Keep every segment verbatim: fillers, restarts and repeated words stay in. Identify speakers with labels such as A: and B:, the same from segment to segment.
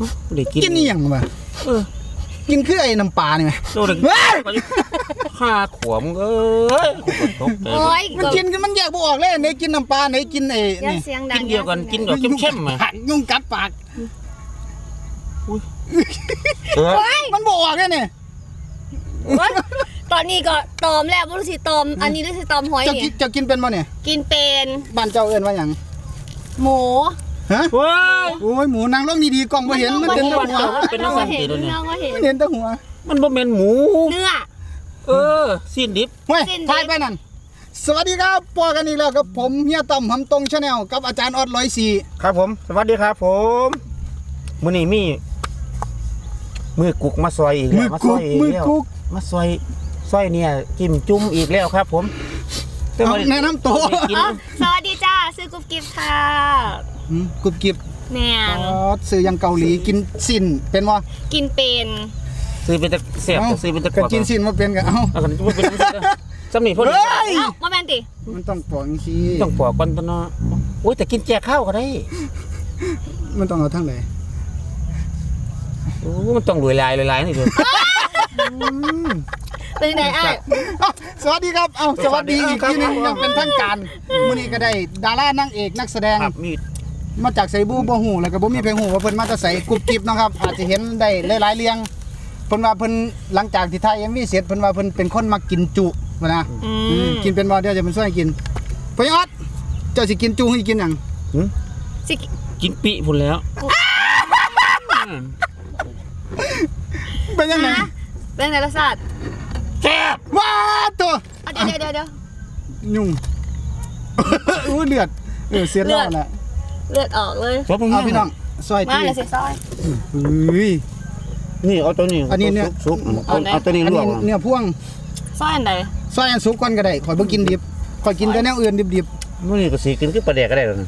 A: ได้กิน
B: กินนี่ยังวะเออกินคือไอ้น้ำปลานี่ไหม
A: โดนข้าขวมเอ้ยโอ้ย
B: มันกินมันแยกบ่ออกเลยไหนกินน้ำปลาไหนกินไอ้นี่
A: กินเดียวกันกินแบบเข้มๆอ่ะ
B: ยุ่งกัดปากมันบ่ออกเลยเนี่ย
C: ตอนนี้ก็ตอมแล้วบ่รู้สิตอมอันนี้รู้สิตอมหอยนี่
B: จะกินเป็นบ่เนี่ย
C: กินเป็น
B: บ้านเจ้าเอิ้นว่าหยัง
C: หมู
B: ฮะโอ้ยหมูนางลงดีๆกล้องบ่เห็นมันเห็นแต่หัว
A: เป็นน้ำสันติตัวนี้
B: มันเห็นแต่หัว
A: มันบ่แม่นหมู
C: เนื้อ
A: เออสิ้นดิบ
B: เฮ้ยถ่ายไปนั่นสวัสดีครับปอกันอีกแล้วกับผมเฮียต่ำหำตรงชาแนลกับอาจารย์ออดร้อยสี่
A: ครับผมสวัสดีครับผมมื้อนี้มีมือกุกมาซอยอีกแล้วมาซอยอีกแล้วมาซอยซอยเนี่ยจิ้มจุ่มอีกแล้วครับผม
B: แนะนำตัว
C: สวัสดีจ้าซื้อกุ๊บกิ๊บค่ะ
B: กุ๊บกิ๊บ
C: แม่
B: อ๋อซื้อยังเกาหลีกินสินเป็นบ่
C: กินเป็น
A: ซื้อเป็นตะเสียบซื้อเป็นตะก
B: วดกินสินมาเป็นกันเอ้า
A: เอากันบ่เป็นสำนีพ่น
C: เฮ้ยบ่แม่นติ
B: มันต้องปอกจังซี่
A: ต้องปอกก่อนตัวเนาะโอ้ยแต่กินแจกข้าวก็ได้
B: มันต้องเอาทั้งไหน
A: โอ้มันต้องรวยลายรวยลายนี่ดู
C: เป็นไงไอ้
B: สวัสดีครับเอ้าสวัสดีอีกทีนึงยังเป็นทางการมื้อนี้ก็ได้ดารานางเอกนักแสดงมาจากไสบูบ่ฮู้แล้วก็บ่มีเพลงฮู้ว่าเพิ่นมาแต่ไสกุ๊บกิ๊บนะครับอาจจะเห็นได้หลายๆเรื่องเพิ่นว่าเพิ่นหลังจากที่ถ่าย เอ็ม วี เสร็จเพิ่นว่าเพิ่นเป็นคนมักกินจุว่านะกินเป็นบ่เดี๋ยวจะมันช่วยกินพ่อออดเจ้าสิกินจุให้กินหยัง
C: สิ
A: กินปิพุ่นแล้ว
B: เป็นยังไง
C: เป็นไงรสชาติ
A: แซ่บ
B: ว้าตัว
C: เดี๋ยวเดี๋ยวเดี๋ยว
B: ยุ่งอู้เลือดเออเสียดแล้วแหละ
C: เลือดออกเลย
B: เอาพี่น้องซอย
C: มาเลยสิซอย
B: เฮ้ย
A: นี่เอาตัวนี้
B: อันนี้เนี่ย
A: ซุปเอาตัวนี้ลวก
B: เนื้อพ่วง
C: ซอยอันใด
B: ซอยอันซุปก่อนก็ได้ข่อยบ่กินดิบข่อยกินแต่แนวอื่นดิบ
A: ๆมื้อนี้ก็สิกินคือปลาแดกก็ได้แล้ว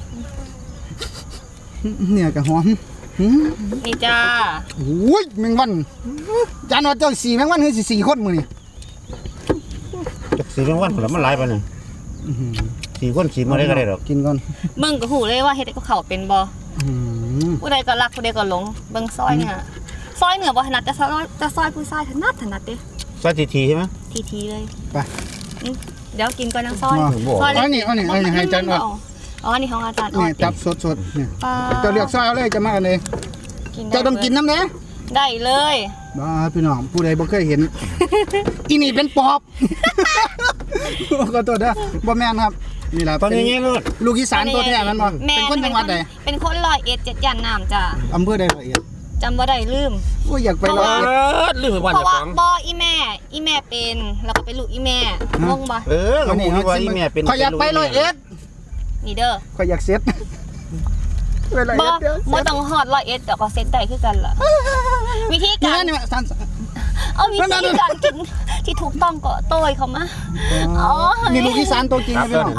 B: เนี่ยก็หอม
C: นี่จ้า
B: โอ้ยแมงวันจานว่าเจ้าสี่แมงวันคือสี่คนมื้อนี่
A: จักสี่แมงวันแล้วมันหลายปานนี้สี่คนสี่มื้อได้ก็ได้ดอก
B: กินก่อน
C: เบิ่งก็ฮู้เลยว่าเฮ็ดกับข้าวเป็นบ่ผู้ใดก็รักผู้ใดก็หลงเบิ่งซอยเนี่ยซอยเหนือบ่ถนัดแต่ซอยแต่ซอยผู้ชายถนัดถนัดเด้
A: ซอยทีๆใช่มั้ย
C: ทีๆเลย
B: ไป
C: เดี๋ยวกินก่อนนะซอย
B: ซอยอันนี้อันนี้อันนี้ให้อาจารย์ออด
C: อ๋อนี่ของอาจารย์ออด
B: นี่จับสดๆนี่เจ้าเลือกซอยเอาเลยจะมาอันนี้เจ้าต้องกินน้ำแน่
C: ได้เลย
B: บ้าพี่น้องผู้ใดบ่เคยเห็นอีนี่เป็นปอบขอโทษนะบ่แม่นครับนี่ล่ะ
A: ตอนนี้
B: ลูกอีสานตัวแท้มันบ่เป็นคนจังหวัดใด
C: เป็นคนร้อยเอ็ดเจ็ดย่านน้ำจ้ะ
B: อำเภอใดร้อยเอ็ด
C: จำบ่ได้ลืม
B: โอ้ยอยากไปร้อยเอ็ด
A: ลืมไปวัน
C: เพราะว่าบ่อีแม่อีแม่เป็นแล้วก็เป็นลูกอีแม่งงบ่
A: เออก็นี่ว่าอีแม่เป็น
B: ขอยอยากไปร้อยเอ็ด
C: นี่เด้อ
B: ขอยอยากเซ็ต
C: บ่บ่ต้องฮอดร้อยเอ็ดแต่ก็เซ็ตได้คือกันล่ะวิธีการ
B: นี่สั่น
C: เอาวิธีการกินที่ถูกต้องก็โต้ยเข้ามา
B: อ๋อนี่ลูกอีสานตัวจริงนะพี่น้อง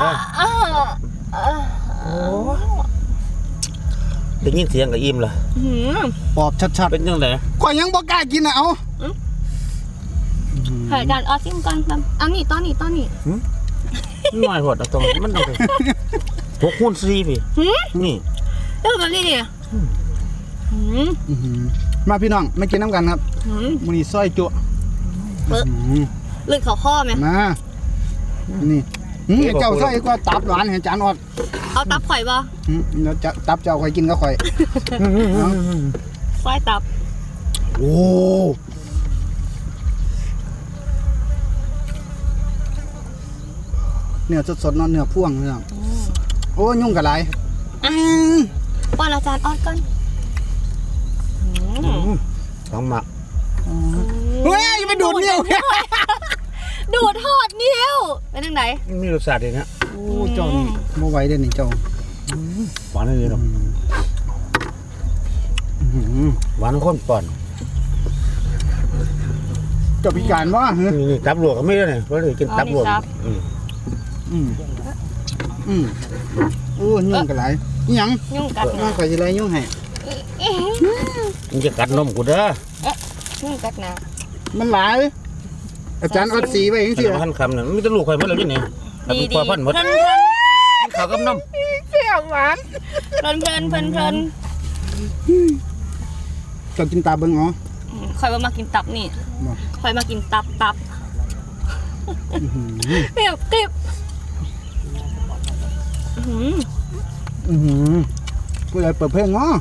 A: โอ้ได้ยินเสียงก็อิ่มล่ะ
B: ปอบชัดๆ
A: เป็นจังได๋
B: ข่อยยังบ่กล้ากินน่ะเอา
C: ให้อาจารย์เอาซิมก่อนเอานี่ตอนนี้ตอนนี้
A: น้อยโหดตรงมันต้องหกคูณสี่พี่นี่
C: เออแบบนี้ดิ
B: มาพี่น้องมากินน้ำกันครับมื้อนี้ซอยจุ
C: เลือดเขาข้อไหม
B: มานี่เจ้าซอยก็ตับหวานให้จานออด
C: เอาตับข่อยบ่
B: เดี๋ยวจะตับเจ้าข่อยกินก็ข่อย
C: ซอยตับ
B: โอ้เนื้อสดๆเนาะเนื้อพ่วงเนาะโอ้ยุ่งกับไร
C: ป้อนอาจารย์ออดก่อน
A: ต้องหมัก
B: เฮ้ยไปดูดนิ้ว
C: ดูดทอดนิ้วเป็นยังไง
A: มีรสชาติดีนะ
B: โอ้เจ้านี่โมไหวเด่นนี่เจ้า
A: หวานเลยหรอหวานข้นป่อน
B: เจ้าพิการวะ
A: นี่ตับหลวกก็ไม่ได้เนี่ยเพราะเลยกินตับหลวกอืม
B: อืมอืมโอ้ยุ่งกับไรยัง
C: ยุ่งกัด
B: นะใครจะไรยุ่งให้
A: มึงจะกัดนมกูเด้อ
C: ยุ่งกัดนะ
B: มันหลายอาจารย์อดสีไปยังสิ
A: พันคำเนี่ยไม่ต้องลูกใครเมื่อไรนี่แต่กูพอพันหมดข้าวกับนม
C: เปรี้ยวหวานเพลินเพลินเพลินเพลิน
B: จะกินตาเบิ่งอ๋อ
C: อืมข่อยว่ามากินตับนี่
B: บ่
C: ข่อยมากินตับตับเปรี้ยวกริบอื้อหือ
B: อือหือกูเลยเปิดเพลงอ๋อ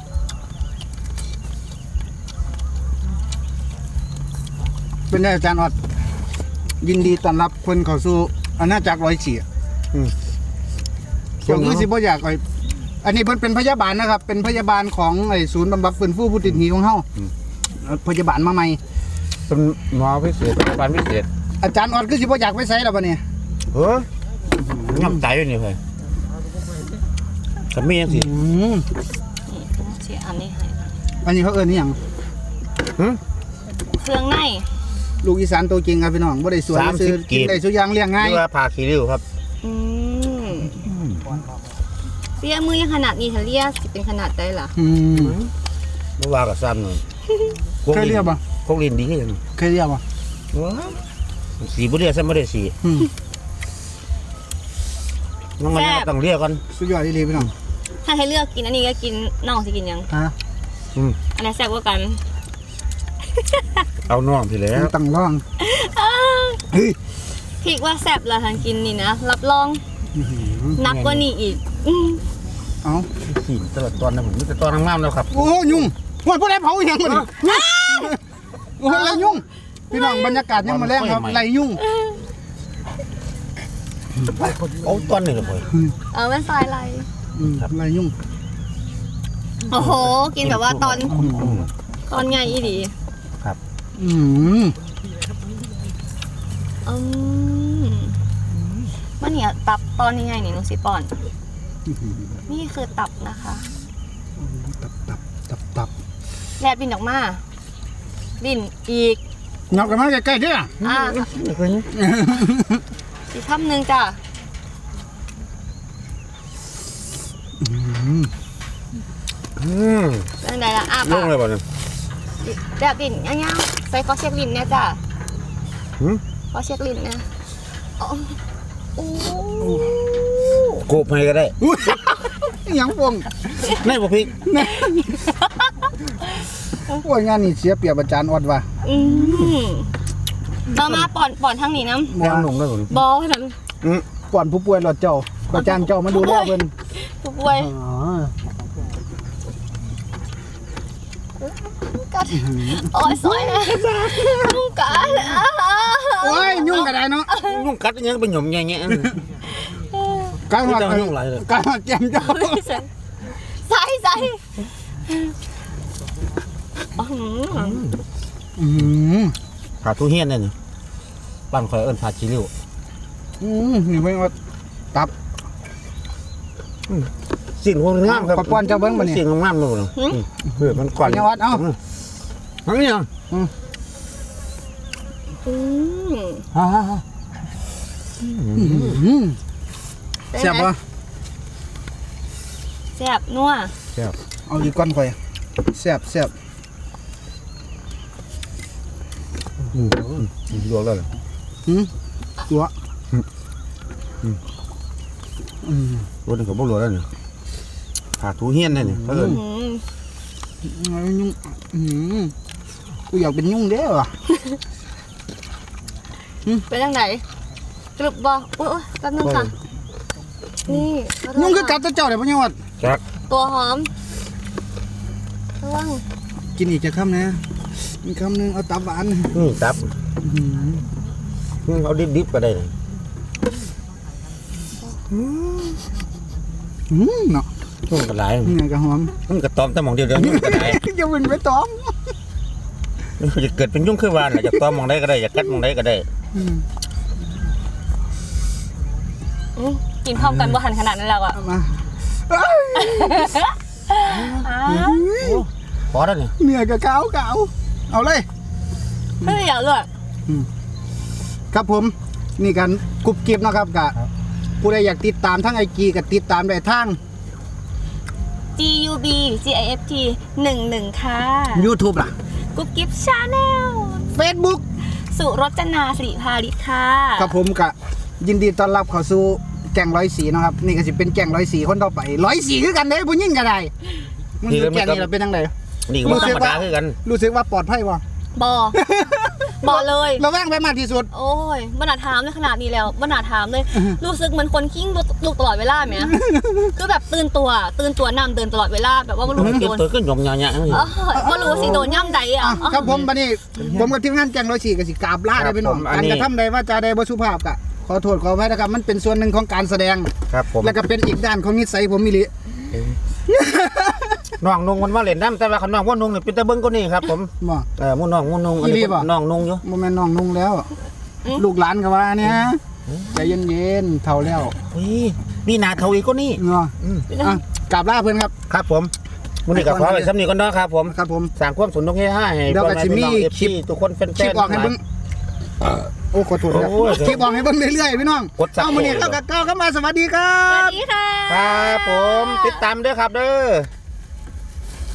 B: เป็นไงอาจารย์ออดยินดีต้อนรับคนเข้าสู่อาณาจักรร้อยสี่
A: อืม
B: เดี๋ยวคือสิบ่อยากไอ้อันนี้เพิ่นเป็นพยาบาลนะครับ เป็นพยาบาลของไอ้ศูนย์บำบัดฟื้นฟูผู้ติดหนี้ของเฮาเอ่อพยาบาลมาใหม่
A: เป็นหมอพิเศษพยาบาลพิเศษ
B: อาจารย์ออดคือสิบ่อยากไปไสแล้วบัดนี้
A: เออย่ำใจอยู่นี่เฮ้ยสามียังสิ
B: อืม
C: นี่เสียอันนี้ให้
B: อันนี้เขาเอิ้นอีหยัง
A: หึ
C: เครื่องใน
B: ลูกอีสานตัวจริงครับพี่น้องบ่ได้สวย
A: สามสิบ
B: ซื้อกิน
A: กีบ
B: ได้สุอย่างเลี้ยงง่าย
A: เรียกว่าผ่าขี้ริ้วครับ
C: อืมเสียมือยังขนาดนี้ถ้าเรียกสิเป็นขนาดใดล่ะ
B: อืม
A: เมื่อวานกับซ้ำหน่อย
B: เคยเรียกปะ
A: พวกลินดีขึ้น
B: เคยเรียกบ่
A: สีบุเรียซ้ำไม่ได้สี
B: อืม
A: น้องมันต้องเรียกกัน
B: สุดยอดอีหลีพี่น้อง
C: ถ้าให้เลือกกินอันนี้ก็กินน้องสิกินหยัง
B: ฮะ
A: อืม
C: อันไหนแซ่บกว่ากัน
A: เอาน่องพี่แล้ว
B: ตั้งร่องเฮ้ย
C: พี่ว่าแซ่บละทางกินนี่นะรับรอง
B: อื้อหือ
C: นักกว่านี้อีกอืม
B: เอ้า
A: สีตลอดตอนนะผมนี่แต่ตอนงามๆแล้วครับ
B: โอ้ยุ่งว่าผู้ใดเผาอีหยังบ่นี่โอ้ไรยุ่งพี่น้องบรรยากาศยังมาแรงครับไรยุ่ง
A: เอาตอนนี้เลย
C: เอาเป็นสายอะไร
B: อืมไรยุ่ง
C: โอ้โห กินแบบว่าตอนตอนไงอีดี
B: อืม
C: อืมมันเนี่ยตับตอนยังไงนี่น้องสิปอน นี่คือตับนะคะ
B: ตับตับตับตับ
C: แลบดินออกมาดินอีก
B: เงากันมาใกล้ๆเด้อ
C: อ่าอีกคำหนึ่งจ้ะ
A: อืม
C: เรื่องใดละอ่ะ
A: ล
C: ปะ
A: งเลยบ่เนี่ย
C: แลบดินย่างๆใส่ขอเช็คลิ้นเนี่ยจ้ะ
A: หืม
C: ขอเช็คลิ้นเนี่ยโอ้โอ้
A: โกบให้ก็ได้
B: อุ้ยหยังพวง
A: ในบ่พริก
B: โอ้ยงานนี่เสียเปรียบอาจารย์ออดว่ะ
C: อืมมามาป่อนป่อนทางนี้น้
A: แนวหนุ่มเลยผม
C: ำบอลนั้น
A: อืม
B: ก่อนผู้ป่วยหลอดเจ้าอาจารย์เจ้ามาดูแลเพิ่น
C: ผู้ป่วย
B: อ๋อ
C: กัดโอ้ยสวยนะลุงกัดอ่ะ
B: โอ้ยยุ่งก็ได้เนาะ
A: นุ่งกัดยังเป็นหย่อมแง่ๆ
B: การหอด
A: ไม่ต้องยุ่งหลายเลย
B: การหอดแก้มเจ้า
C: ใส่ใส่อื้อหือ
B: อืม
A: ผ่าทุเฮียนเนี่ยนี่บ้านคอยเอิ้นผ่าขี้ริ้ว
B: อืมนี่เพิ่นว่าตับ
A: สิ่งงามครับ
B: ขอป้อนเจ้าเบิ่งบ่นี่
A: สิ่งงามๆเลยบ่เพื่อมันก่อน
B: ขออนุญาตเอา
A: อันนี้อ่ะ
C: อืม
A: ฮ่า
B: อืมแซ่บบ่
C: แซ่บนัว
B: เอาอีกก้อนข่อยแซ่บแซ่บ
A: อืมลวกแล้วเหรอ
B: หืมตัวอืม
A: รถนี่ก็บ่ลวกแล้วนี่ผ่าทุเฮียนเนี่ยนี่เพิ่น
C: อืม
B: เอายุ่งอืมกูอยากเป็นยุ่งเด้อว่ะ
C: เป็นยังไงกรุบบ่โอ้ยแป๊บนึงค่ะ นี่ขโทษ
B: ยุ่งคือกั
C: ค่ะ
B: ดแตะเจ้าได้บ่ยังวัด
A: จัก
C: ตัวหอมระวัง
B: กินอีกจะคำนะอีกคำหนึงเอาตับหวาน
A: นี่ตับ
B: อืม
A: นี่เอาดิบๆก็ได้นะ
B: อืมเนาะ
A: มันก็หลาย
B: นี่ไงก็หอม
A: มันก็ตอมแต่หมองเดียวเดียวนี่ก็ได้
B: อย่าเป็นไปตอม
A: มันจะเกิดเป็นยุ่งคือวานน่ะอยากตอมหมองใดก็ได้อยากกัดหมองใดก็ได้
B: อืม
C: อืมกินพร้อมกันบ่หันขนาดนั้นแล้วอ่ะ
B: เอามาเอ้ย
C: อ้า
A: พอแล้วนี่
B: เหนื่อยกับเกาเกาเอาเลย
C: เฮ้ยอย่าเลย
B: ครับผมนี่กันกรุบกริบเนาะครับกะผู้ใดอยากติดตามทั้งไอจีกับติดตามได้ทาง
C: G U B G I F T หนึ่งหนึ่งค่ะ
B: YouTube ล่ะ
C: กุ๊บกิ๊บชาแนล
B: Facebook
C: สุรจนาสิริพาริศค่ะ
B: ครับผมกะยินดีต้อนรับเข้าสู่แก่งร้อยสีเนาะครับนี่ก็สิเป็นแก่งร้อยสีคนต่อไปร้อยสีคือกันเด้ผู้หญิงก็ได้มันอยู่แก่งนี่เราเป็นจังได
A: นี่ก็บ่ธรรมดาคือกัน
B: รู้สึกว่าปลอดภัยบ่
C: บอ บอเลย
B: ระแวงไปมากที่สุด
C: โอ้ยบรรดาถามเลยขนาดนี้แล้วบรรดาถามเลย รู้สึกเหมือนคนขิ้งลูกตลอดเวลาไหม คือแบบตื่นตัว ตื่นตัวนำเดินตลอดเวลาแบบว่าไม่รู้ว่า
A: เก็บ
C: โดน
A: ตัวก็หยองหยาๆ
C: เออไม่รู้ว่าสิโดนย่ำใดอ่ะ
B: อ่ะครับผมบัดนี้ผมกับทีมงานแกงร้อยสี่กับสิกราบลาได้พี่น้องการกระทำใดว่าจาใดบ่สุภาพกะขอโทษขออภัยนะครับมันเป็นส่วนหนึ่งของการแสดง
A: ครับผม
B: แล้วก็เป็นอีกด้านของนิสัยผมมิลิ
A: น้องนุ่งมันมาเล่นน้ำแต่ว่าคันน้องว่านุ่งนี่เป็นตะเบิ้งก็นี่ครับผม
B: บ่
A: เออมุ่นน้องมุ่นนุ่งอัน
B: อีหลี
A: นี้
B: บ่
A: น้องนุ่งอยู่
B: โมเมนน้องนุ่งแล้ว ลูกหลานก็ว่าเนี่ยใจเย็นๆเท่าแล้ว
A: อุ้ยนี่นาเทาอีกก็นี่
B: เนาะ
A: อืม
B: อ่ะกราบลาเพื่อนครับ
A: ครับผมมื้อนี้ก็ขอไว้สำนีก่อนเนาะครับผม
B: ครับผม
A: สร้างความสนุกให้ให้
B: เดี๋ยวก็สิมี
A: เอฟ
B: คลิ
A: ซี
B: ป
A: ทุกคนแฟนๆ
B: คลิปออกให้เบิ่งโอ้ขอโทษครับ
A: โอ้ย
B: คลิปออกให้เบิ่งเรื่อยๆพี่น้อง
A: กดซับ
B: เอามื้อนี้เข้ากับก้าวเข้ามาสวัสดีครั
C: สวั
B: บ
C: สดีค่ะ
A: ครับผมติดตามด้วยครับเด้อ